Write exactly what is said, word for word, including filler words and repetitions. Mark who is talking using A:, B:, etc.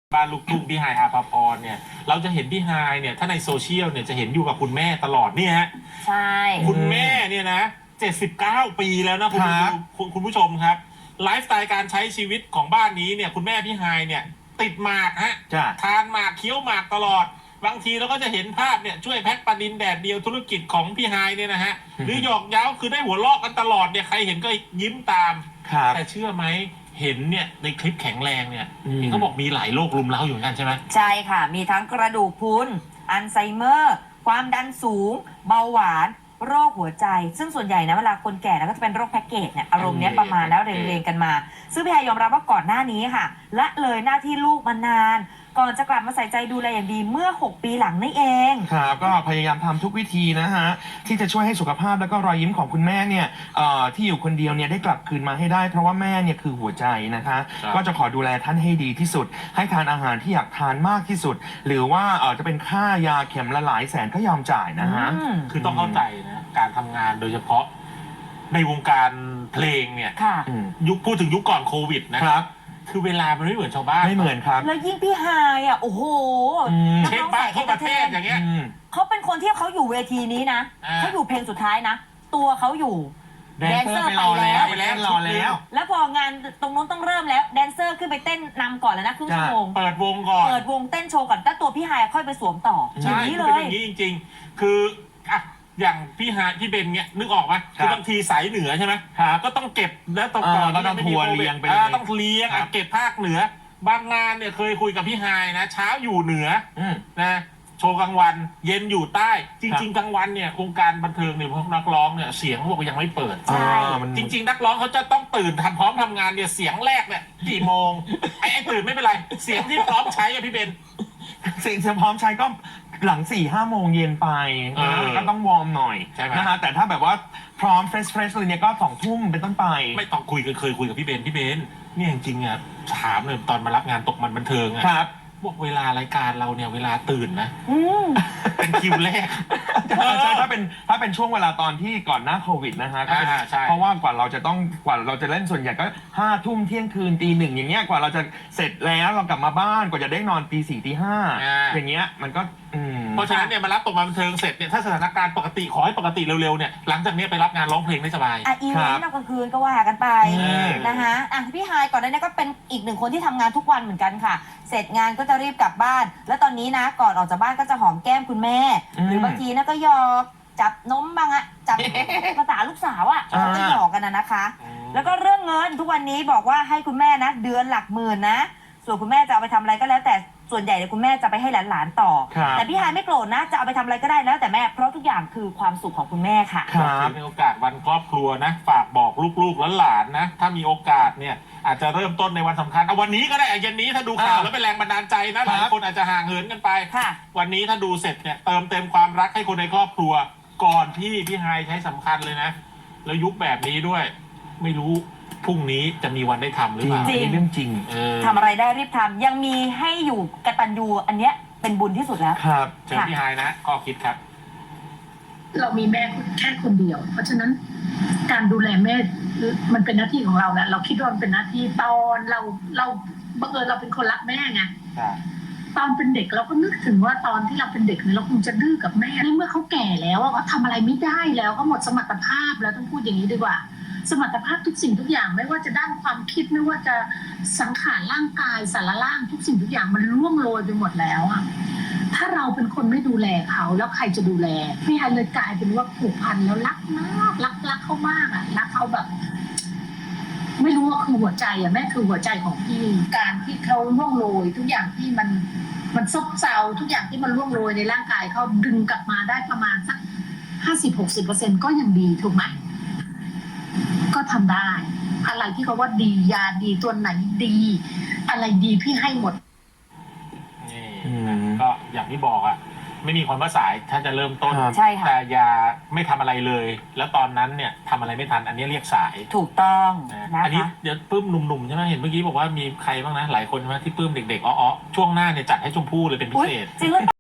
A: บ้านลูกทุ่งพี่ฮายอาภาพรเนี่ยเราจะเห็นพี่ฮายเนี่ยถ้าในโซเชียลเนี่ยจะเห็นอยู่กับคุณแม่ตลอดเนี่ยฮะ
B: ใช่
A: คุณแม่เนี่ยนะเจ็ดสิบเก้าปีแล้วนะคุณคุณคุณผู้ชมครับไลฟ์สไตล์การใช้ชีวิตของบ้านนี้เนี่ยคุณแม่พี่ฮายเนี่ยติดหมากฮะทานหมากเคี้ยวหมากตลอดบางทีเราก็จะเห็นภาพเนี่ยช่วยแพ็คปลาดินแดดเดียวธุรกิจของพี่ฮายเนี่ยนะฮะหรือหยอกเย้าคือได้หัวลอกกันตลอดเนี่ยใครเห็นก็ยิ้มตามแต่เชื่อไหมเห็นเนี่ยในคลิปแข็งแรงเนี่ยเขาบอกมีหลายโรครุมเร้าอยู่เหมือนกันใช่ไหม
B: ใช่ค่ะมีทั้งกระดูกพรุนอัลไซเมอร์ความดันสูงเบาหวานโรคหัวใจซึ่งส่วนใหญ่นะเวลาคนแก่แล้วก็จะเป็นโรคแพ็กเกจเนี่ยอารมณ์เนี้ยประมาณแล้วเรียงๆกันมาซึ่งพี่ฮายยอมรับว่าก่อนหน้านี้ค่ะละเลยหน้าที่ลูกมานานก่อนจะกลับมาใส่ใจดูแลอย่างดีเมื่อหกปีหลังนี่เอง
C: ครับก็พยายามทำทุกวิธีนะฮะที่จะช่วยให้สุขภาพแล้วก็รอยยิ้มของคุณแม่เนี่ยที่อยู่คนเดียวเนี่ยได้กลับคืนมาให้ได้เพราะว่าแม่เนี่ยคือหัวใจนะคะก็จะขอดูแลท่านให้ดีที่สุดให้ทานอาหารที่อยากทานมากที่สุดหรือว่าจะเป็นค่ายาเข็มละหลายแสนก็ยอมจ่ายนะฮะ
A: คือต้องเข้าใจนะการทำงานโดยเฉพาะในวงการเพลงเนี่ยยุคพูดถึงยุคก่อนโควิดนะครับคือเวลามันไม่เหมือนชาวบ้าน
C: ไม่เหมือนครับ
B: แล้วยิ่งพี่ฮายอ่ะโอ้โห
A: เช็คบ้านทั่วประเทศอย่างเงี้ย
B: เขาเป็นคนที่เขาอยู่เวทีนี้นะเขาอยู่เพลงสุดท้ายนะตัวเขาอยู่
C: แดนเซอร์ไปแล้วไปแล้วรอแล้ว
B: แล้วพองานตรงนู้นต้องเริ่มแล้วแดนเซอร์ขึ้นไปเต้นนำก่อนแล้วนะครึ่งชั่วโมง
A: เปิดวงก่อน
B: เปิดวงเต้นโชว์ก่อนแล้วตัวพี่ฮายค่อยไปสวมต่อ
A: ใช่คือเป็นอย่างนี้จริงๆคืออ่ะอย่างพี่ฮายพี่เบนเนี่ยนึกออกไหมคือบางทีสายเหนือใช่ไหมก็ต้องเก็บแล้วต่อก่อน
C: ก็ต้องทัวร์เลี้ยงไป
A: ต้องเลี้ยงเก็บภาคเหนือบางงานเนี่ยเคยคุยกับพี่ฮายนะเช้าอยู่เหนือนะโชว์กลางวันเย็นอยู่ใต้จริงๆกลางวันเนี่ยวงการบันเทิงเนี่ยพวกนักร้องเนี่ยเสียงเขาบอกยังไม่เปิด
B: ใช่
A: จริงๆนักร้องเขาจะต้องตื่นทำพร้อมทำงานเนี่ยเสียงแรกเนี่ยกี่โมงไอ้ไอ้ตื่นไม่เป็นไรเสียงที่พร้อมใช้อะพี่เบน
C: เสียงพร้อมใช้ก็หลังสี่ห้าโมงเย็นไปก็ต้องวอร์มหน่อยนะฮะแต่ถ้าแบบว่าพร้อมเฟรชเฟรชเลยเนี่ยก็สองทุ่มเป็นต้นไป
A: ไม่ต้องคุยกันเคยคุยกับพี่เบนพี่เบนเนี่ยจริงๆอ่ะถามเลยตอนมารับงานตกมันบันเทิงอ่ะบอกเวลารายการเราเนี่ยเวลาตื่นนะเป็นคิวแรก
C: ใช่ถ้าเป็นถ้าเป็นช่วงเวลาตอนที่ก่อนหน้าโควิดนะฮะก็เป็นเพราะว่ากว่าเราจะต้องกว่าเราจะเล่นส่วนใหญ่ก็ห้าทุ่มเที่ยงคืนตีหนึ่งอย่างเงี้ยกว่าเราจะเสร็จแล้วเรากลับมาบ้านกว่าจะได้นอนตีสี่ตีห้าอย่างเงี้ยมันก็
A: เพราะฉะนั้นเนี่ยมารับตกมาบันเทิงเสร็จเนี่ยถ้าสถานการณ์ปกติขอให้ปกติเร็วๆเนี่ยหลังจากนี้ไปรับงานร้องเพลงได้สบาย
B: อ่ะอีเวนต์กลางคืนก็ว่ากันไปนะคะอ่ะพี่ฮายก่อนหน้านี้ก็เป็นอีกหนึ่งคนที่ทำงานทุกวันเหมือนกันค่ะเสร็จงานก็จะรีบกลับบ้านแล้วตอนนี้นะก่อนออกจากบ้านก็จะหอมแก้มคุณแม่หรือบางทีนะก็หยอกจับนมบ้างอะจับภาษาลูกสาวอะก็หยอกกันนะนะคะแล้วก็เรื่องเงินทุกวันนี้บอกว่าให้คุณแม่นะเดือนหลักหมื่นนะส่วนคุณแม่จะเอาไปทำอะไรก็แล้วแต่ส่วนใหญ่เนี่ยคุณแม่จะไปให้หลานๆต่อแต่พี่ฮายไม่โกรธนะจะเอาไปทำอะไรก็ได้แล้วแต่แม่เพราะทุกอย่างคือความสุขของคุณแม่ค่ะ
A: ในโอกาสวันครอบครัวนะฝากบอกลูกๆและหลานนะถ้ามีโอกาสเนี่ยอาจจะเริ่มต้นในวันสำคัญเอาวันนี้ก็ได้เย็นนี้ถ้าดูข่าวแล้วเป็นแรงบันดาลใจนะหลายคนอาจจะห่างเหินกันไปวันนี้ถ้าดูเสร็จเนี่ยเติมเต็มความรักให้คนในครอบครัวก่อนที่พี่ฮายใช้สำคัญเลยนะแล้วยุคแบบนี้ด้วยไม่รู้พรุ่งนี้จะมีวันได้ทำหรือเปล่า
C: จริงเรื่องจริง
B: ทำอะไรได้รีบทำยังมีให้อยู่กตัญญูอันเนี้ยเป็นบุญที่สุดแล้ว
A: ครับเชิญพี่ฮายนะข้อคิดครับ
D: เรามีแม่แค่คนเดียวเพราะฉะนั้นการดูแลแม่มันเป็นหน้าที่ของเราแหละเราคิดว่ามันเป็นหน้าที่ตอนเราเราบังเอิญเราเป็นคนรักแม่ไงตอนเป็นเด็กเราก็นึกถึงว่าตอนที่เราเป็นเด็กเนี่ยเราคงจะดื้อกับแม่ในเมื่อเขาแก่แล้วเขาทำอะไรไม่ได้แล้วเขาหมดสมรรถภาพแล้วต้องพูดอย่างนี้ดีกว่าสมรรถภาพทุกสิ่งทุกอย่างไม่ว่าจะด้านความคิดไม่ว่าจะสังขารร่างกายสารล่างทุกสิ่งทุกอย่างมันร่วงโรยไปหมดแล้วอะถ้าเราเป็นคนไม่ดูแลเขาแล้วใครจะดูแลพี่ฮายเลยกลายเป็นว่าผูกพันแล้วรักมากรักรักเขามากอะรักเขาแบบไม่รู้ว่าคือหัวใจอะแม่คือหัวใจของพี่การที่เขาร่วงโรยทุกอย่างที่มันมันซบเซาทุกอย่างที่มันร่วงโรยในร่างกายเขาดึงกลับมาได้ประมาณสักห้าสิบหกสิบเปอร์เซ็นต์ก็ยังดีถูกไหมก็ทำได้อะไรที่เขาว่าดียาดีตัวไหนดีอะไรดีพี่ให้หมด
A: นี่ก็อย่างที่บอกอ่ะไม่มีความว่าสายถ้าจะเริ่มต้นแต่อย่าไม่ทำอะไรเลยแล้วตอนนั้นเนี่ยทำอะไรไม่ทันอันนี้เรียกสาย
B: ถูกต้อง
A: นะอันนี้เดี๋ยวปื้มหนุ่มๆใช่ไหมเห็นเมื่อกี้บอกว่ามีใครบ้างนะหลายคนใช่ไหมที่ปื้มเด็กๆอ๋อช่วงหน้าเนี่ยจัดให้ชมพู่เลยเป็นพิเศษ
B: จริงหรือเปล่า